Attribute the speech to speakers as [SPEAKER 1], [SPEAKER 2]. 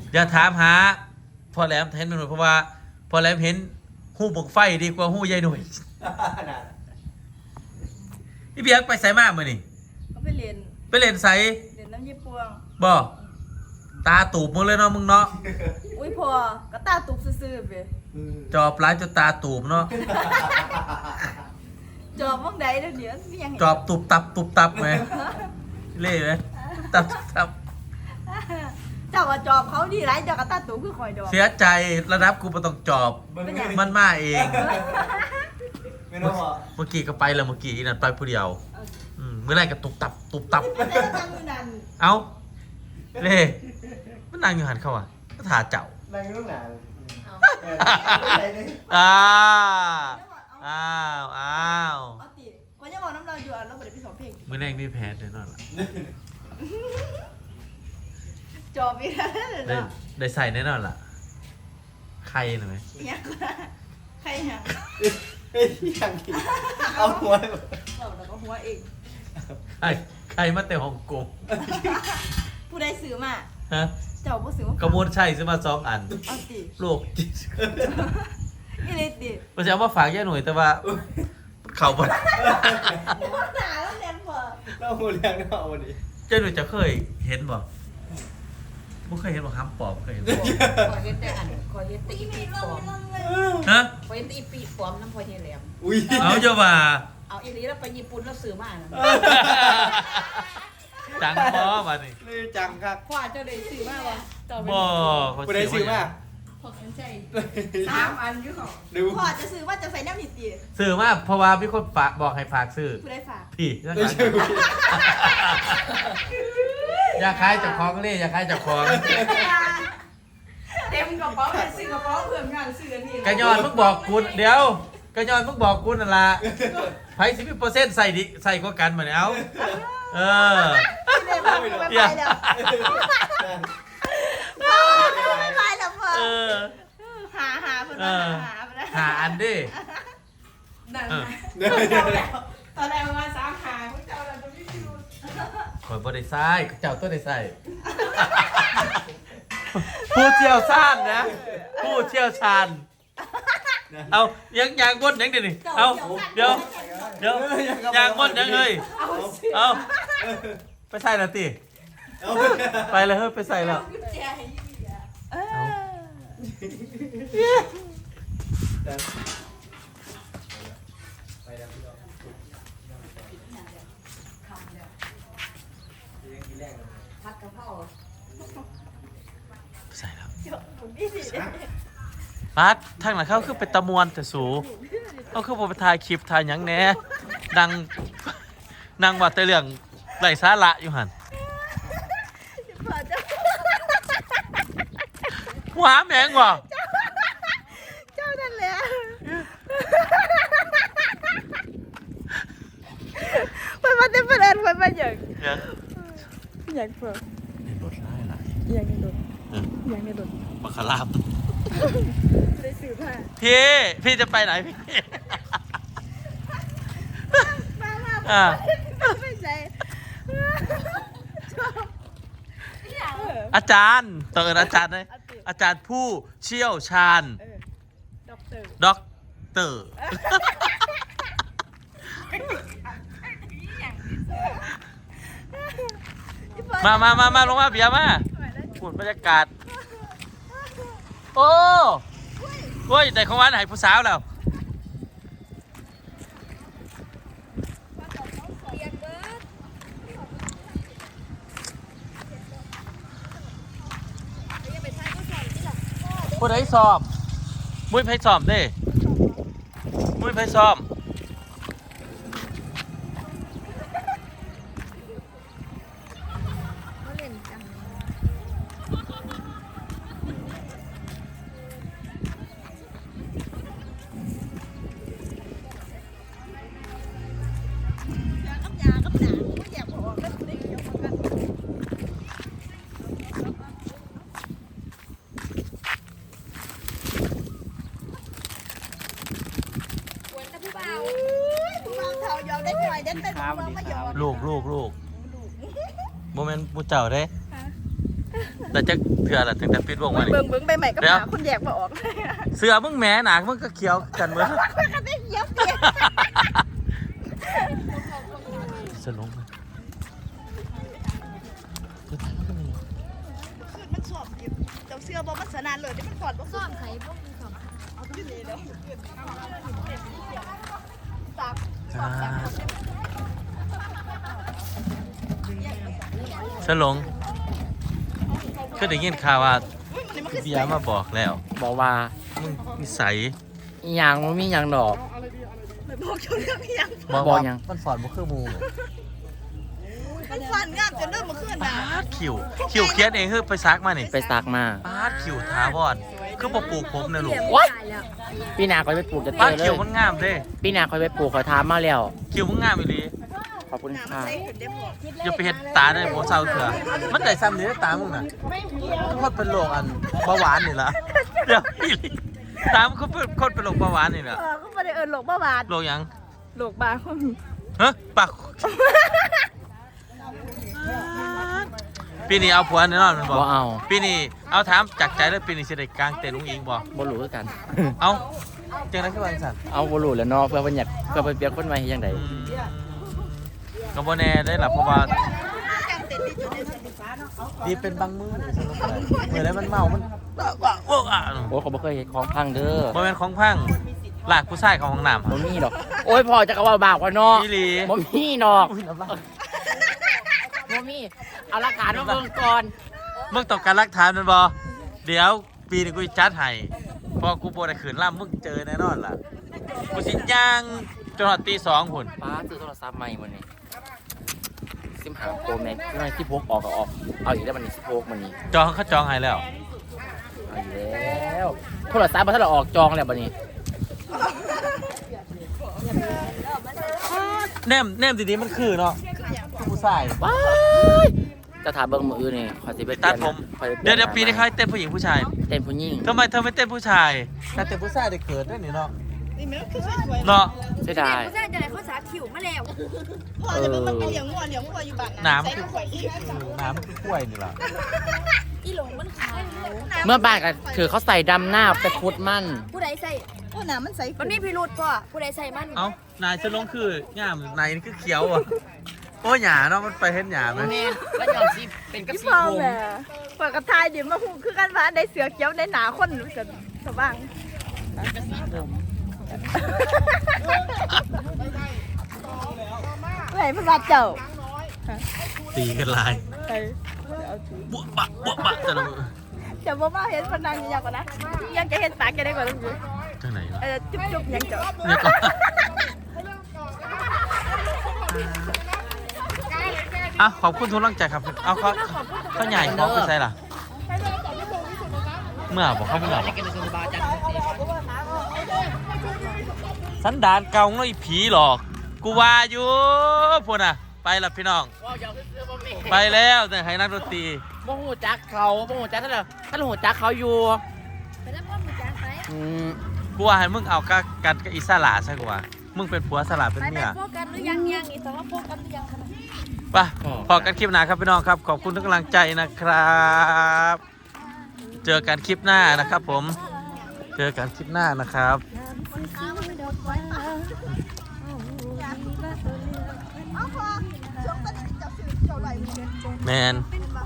[SPEAKER 1] อย่าถามหาพอแหลมเห็นหน่อยเพราะว่าพอแหลมเห็นหู้บกไฟดีกว่าหู้ยายหน่วยพี่เบียกไปใส่มากมือนี่
[SPEAKER 2] เขาไปเรียน
[SPEAKER 1] ไปเล่นใส่
[SPEAKER 2] เรียนน้ำยี่ปวง
[SPEAKER 1] บ่ตาตูบมึงเลยเนาะมึงเนาะ
[SPEAKER 2] อุ้ยพอก็ตาตุกซื่อๆไป
[SPEAKER 1] จอบร้ายจนตาตูบเนาะ
[SPEAKER 2] จอบมั่งใดเดี๋ยวนี้มียัง
[SPEAKER 1] จอบตุบตับไหมเล่ไหมตับ
[SPEAKER 2] เจ้าว่าจอบเขาดีไรเจ้าก็ตาตุกคือคอยดอก
[SPEAKER 1] เสียใจระดับกูไม่ต้องจอบมันมาเอง
[SPEAKER 3] ไม่รู้อ่ะ
[SPEAKER 1] เมื่อกี้ก็ไปแล้วเมื่อกี้นั่นไปผู้เดียวเมื่อไรก็ตุบตับเอ้าเล่มันนั่งอยู่หันเข้าอ่ะก็ถ่าเจ้า
[SPEAKER 3] นั่งอยู่ไหน
[SPEAKER 1] อ้าว
[SPEAKER 2] คนยังบอกน้ำเราอยู่อ่ะเราไม่ได้ไปสอนเพลง
[SPEAKER 1] เมื่อแรกนี่แพ้แน่นอนล่ะ
[SPEAKER 2] จอบอีกแล้ว
[SPEAKER 1] ได้ใส่แน่นอนล่ะใครหน่อยไหม
[SPEAKER 2] ใครยัง
[SPEAKER 3] เอาหัว
[SPEAKER 2] เราแล้วก็หัวเอง
[SPEAKER 1] ใครมาแต่ฮ่องกง
[SPEAKER 2] ผู้ใดซื้อมา
[SPEAKER 1] ฮะ
[SPEAKER 2] เจ้าผู้ซื้อมาก
[SPEAKER 1] ระมวลชัยซื้อมา2 อันโลกจิต
[SPEAKER 2] นี่เลยติ
[SPEAKER 1] มันจะเอามาฝากแย่หน่อยแต่ว่าเข่าบ่
[SPEAKER 2] หนาแล้วแน่นพอ
[SPEAKER 3] เราหัวเรียงเนาะวันนี้
[SPEAKER 1] แย่หน่อยจะเคยเห็นบ่ไม่เคยเห็นบ่ห้ามปอบเคยเห็นบ่
[SPEAKER 4] ขอเห็นแต่อันขอเห็นแต่อีปีปลอม
[SPEAKER 1] ฮะ
[SPEAKER 4] ขอเห็นแต่อีปีปลอมน้ำพอเฮียแหลม
[SPEAKER 1] เอาเจ้าว่า
[SPEAKER 4] เอาอีนี้แล้วไปญี่ปุ่นแล้วซื้อมา
[SPEAKER 1] จังบ่มาดิ
[SPEAKER 3] นี่จังครับ
[SPEAKER 4] พ่อเจ้าได้ซื้อมาวะ
[SPEAKER 1] บ่
[SPEAKER 3] ผู้ใดซื้อมา
[SPEAKER 4] พอกันใจ3 อันอยู่ของ
[SPEAKER 2] พ่อจะซื้อว่าจะใส่แนวนิติ
[SPEAKER 1] ซื้อมาเพราะว่ามีคนฝากบอกให้ฝากซื้อ
[SPEAKER 2] ผู้ใดฝาก
[SPEAKER 1] พี่อย่าขายจากของเลยอย่าขายจากของ
[SPEAKER 4] เต็มกระเป๋าเลยซื้อกระเป๋าเพิ่มงานซื้อนี่
[SPEAKER 1] กระยอนมึงบอกกูเดี๋ยวกระยอนมึงบอกกูนั่นล่ะไผ10%ใส่ดิใส่กว่ากันมาเนี่ยเอา
[SPEAKER 2] ไม่ไปแล้วไม่ไปแล้วพ่อหาเพื่อน
[SPEAKER 1] หาอันดิ
[SPEAKER 4] นั่นตอนแรกมา3 หาพวกเจ้าเราจะไม่รู้
[SPEAKER 1] ข่อยบ่ได้ใส่เจ้าตัวได้ใส่ผู้เชี่ยวชาญนะผู้เชี่ยวชาญเอายังบดยังดิเอาเดี๋ยวยางบดยังเฮ้ยเอาไปใส่แล้วติไปเลยเฮ้ยไปใส่แล้ว
[SPEAKER 4] ผัดกะเพรา
[SPEAKER 1] ใส่แล้วปัดทางหลังเขาคือเป็นตะมวนแต่สูเขาคือผมไปถ่ายคลิปถ่ายหยังแหน่นั่งว่าแต่เรื่องไร้สาระอยู่หันหัวแมงว่ะ
[SPEAKER 2] เจ้านั่นแหละมันมาเต็มประเด็นมันมาอย่างเพิ่ม
[SPEAKER 1] ในรถไล่ไหล
[SPEAKER 2] อย่างในรถ
[SPEAKER 1] บัคคาราบ
[SPEAKER 2] ได้ซื้อผ้า
[SPEAKER 1] พี่จะไปไหนพี่
[SPEAKER 2] มาไม่ใช่
[SPEAKER 1] อาจารย์ต้องเอิ้นอาจารย์เลยอาจารย์ผู้เชี่ยวชาญด็อกเตอร์มาลงมาเบียร์มาฝุ่นบรรยากาศโอ้ยแต่ของวันหายผู้สาวแล้วผู้ใดสอบมุ้ยไพ่สอบเด้มุ้ยไพ่สอบลูกโมเมนต์มูเจ้าเด้แต่จะเถื่อละถึงแต่ปิดวงมานี่
[SPEAKER 2] เบิ่งไปใหม่ก็หาคนแยกมาออก
[SPEAKER 1] เสือมึงแหมหนามึงก็เขียวกันเหมือน
[SPEAKER 2] ก็ได้เยียบเปียก
[SPEAKER 1] สลงเลย
[SPEAKER 2] มันสอบอยู่เจ้าเสื้อบ่มันสนานเลยที่มันกอดบ่
[SPEAKER 5] ซ่อมใส่พวกสอง
[SPEAKER 1] สลงก็ได้ยินข่าวว่าเบียร์มาบอกแล้ว
[SPEAKER 6] บอกว่า
[SPEAKER 1] มึงนิสัย
[SPEAKER 6] อีหยังมันมีหยังดอก
[SPEAKER 2] ไม่บอกเจ้าเรื่องยัง
[SPEAKER 6] บอกหยัง
[SPEAKER 1] มันสอนบ่คือหมู
[SPEAKER 2] มันฟันงามจนเริ่มมาขึ้น
[SPEAKER 1] ปา
[SPEAKER 2] นะ
[SPEAKER 1] ดคิวเขียนเองคือไปซักมานี่
[SPEAKER 6] ไปซักมา
[SPEAKER 1] ปาดคิวถาวรคือบ่ปลูกผมนะลูก
[SPEAKER 6] What? ปีหน้าคอยไปปลูกจะเจ
[SPEAKER 1] ปาด
[SPEAKER 6] อเล
[SPEAKER 1] คิวย มันงามเด้
[SPEAKER 6] ปีหน้าคอยไปปลูกคอยทามมาแล้ว
[SPEAKER 1] คิวมันงามอีหลี
[SPEAKER 6] ขอบคุณค่ะ
[SPEAKER 1] อย่าไปเฮ็ดตาได้บ่เศร้าเถื่อมันได้ซ้ำนี่ตามึงน่ะทุกคนเป็นโรคอันเบาหวานนี่ล่ะเดี๋ยวอีหลีตามันก็เป็นคนเป็นโรคเบาหวานนี่ล่ะ
[SPEAKER 2] ก็ไม่ได้เอิญหลกบ้าบาด
[SPEAKER 1] โรคหยัง
[SPEAKER 2] หลกบาคน
[SPEAKER 1] ฮะปากปีนี้เอาผัวแน่นอนมันบ
[SPEAKER 6] บ่
[SPEAKER 1] อก
[SPEAKER 6] เอา
[SPEAKER 1] ปีนี้เอาถามจากใจแล้วปีนี้สิได้กลางเต็นท์ลุงอิงบ่
[SPEAKER 6] บ่รู้คือกัน
[SPEAKER 1] เอาจังได๋คือว่าจังซั่น
[SPEAKER 6] เอาบ่รู้แหล้วเนาะเพื่อเพิ่นอยากเพื่อเพิ่นเปรียบคนใหม่เฮ็ดจังได๋
[SPEAKER 1] ก็บ่แน่ได้ล่ะเพราะว่าดีเป็นบางมื้อสนุกเลยมื้อแล้วมันเมามันโอ้อ่ะ
[SPEAKER 6] โอ้เขาบ่เคยเฮ็ดของพังเด้อ
[SPEAKER 1] บ่แม่นของพังลากผู้ชายเข้าห้องน้ำ
[SPEAKER 6] บ่มีดอก โอ้ยพ่อจะก็ว่าบากว่าเนาะ
[SPEAKER 1] อีหลี
[SPEAKER 6] บ่มีดอกบ่มีเอาหลักฐานมาเบิ่งก่อน
[SPEAKER 1] มึงต้องการหลักฐานมันบ่เดี๋ยวปีนี้กูสิจัดให้พอกูบ่ได้ขืนล่ำมึงเจอแน่นอนล่ะกูสิย่างจนฮอดตี 2พุ่น
[SPEAKER 6] ป้าซื้อโทรศัพท์ใหม่มื้อนี้ซิมหาโปรแม็กซ์ที่พกออกก็ออกเอาอีกแล้วมันนี่สิพกมันนี่
[SPEAKER 1] จองเขาจองให้แล้ว
[SPEAKER 6] เอาอีกแล้วโทรศัพท์บ่ทันได้ออกจองแล้วบัดนี้
[SPEAKER 1] แนมดีๆมันคือเนาะผู้ชาย
[SPEAKER 6] ว้ายจะถามเบิ่งมืออื่นนี่ขอสิไป
[SPEAKER 1] ตัดผม
[SPEAKER 6] ขอสิไป
[SPEAKER 1] เดี๋ยวปีนี้เขาให้เต้นผู้หญิงผู้ชาย
[SPEAKER 6] เต้นผู้หญิง
[SPEAKER 1] ทำไมเธอไม่เต้นผู้ชายถ้าเต้นผู้ชายได้เกิดได้นี่เนาะ
[SPEAKER 2] นี่มันคือสวยๆ
[SPEAKER 1] เนาะ
[SPEAKER 6] ใช่ได้
[SPEAKER 5] ผู้ชายจะไหนเขาสาขิวมาแล้ว
[SPEAKER 2] พ่อจะเป็นมันเลี้ยงวัวอยู่บ้าน
[SPEAKER 1] น้ำคือน้ำคือกล้วยนี่ล่ะ
[SPEAKER 5] อีหลงมันขาว
[SPEAKER 6] เมื่อบ่ายก็คือเขาใส่ดำหน้าไปคุดมัน
[SPEAKER 5] ผู้ใดใส่
[SPEAKER 2] โอ้น้ำมันใส
[SPEAKER 5] มันมีพิรุษป่ะผู้ใดใส่มัน
[SPEAKER 1] เอ้านายจะลงคืองามนายนี่คือเขียวอ่ะโอ้หยาเนาะมันไปเห็นหยาไหม
[SPEAKER 6] แล้วยอมสิเป็นกระ
[SPEAKER 2] พี่
[SPEAKER 6] สี
[SPEAKER 2] พ่อ
[SPEAKER 6] ผม
[SPEAKER 2] แม่เปิดกระทายเดี๋ยวมาหูคือกันว่าได้เสือเขียวได้หนาคนกันสว่างไหนพระเจ้า
[SPEAKER 1] ตีกันลาย
[SPEAKER 2] ไป
[SPEAKER 1] บวบะแต่ละมือ
[SPEAKER 2] จะบ่มาเห็นพนังยังกว่านะยังจะเห็นปากแกได้กว่าลูก
[SPEAKER 1] จังไหนล่ะ
[SPEAKER 2] จุ๊บยังเจ้า
[SPEAKER 1] เนี่ยก็อ่ะขอบคุณทุกกำลังใจครับเอาเขาใหญ่เขาไปใส่ล่ะเมื่อบอกเขาเมื่อสันดานเก่าเนาะอีผีหลอกกูว่าอยู่พวกน่ะไปละพี่น้องไปแล้วแต่ให้นักดนตรี
[SPEAKER 6] โมโหจักเขาโมโหจักท่านโหจักเขาอยู่
[SPEAKER 5] ไปแล้วพ่อมึงจางไป
[SPEAKER 1] กูว่าให้มึงเอากันกับอิสระใช่กว่ามึงเป็นผัวสลัดเป็น
[SPEAKER 5] ไป
[SPEAKER 1] เมีย
[SPEAKER 5] โฟกัสหรือยังอีกสองโฟกัสหรือยังคะ
[SPEAKER 1] ไปพอกันคลิปหน้าครับพี่น้องครับขอบคุณทุกกำลังใจนะครับ เจอกันคลิปหน้านะครับผมเจอกันคลิปหน้านะครับ
[SPEAKER 2] เอาพอช่วงตอนนี้เจ้าสื่อเจ้าไหล
[SPEAKER 1] แมน
[SPEAKER 2] เป็นบ้า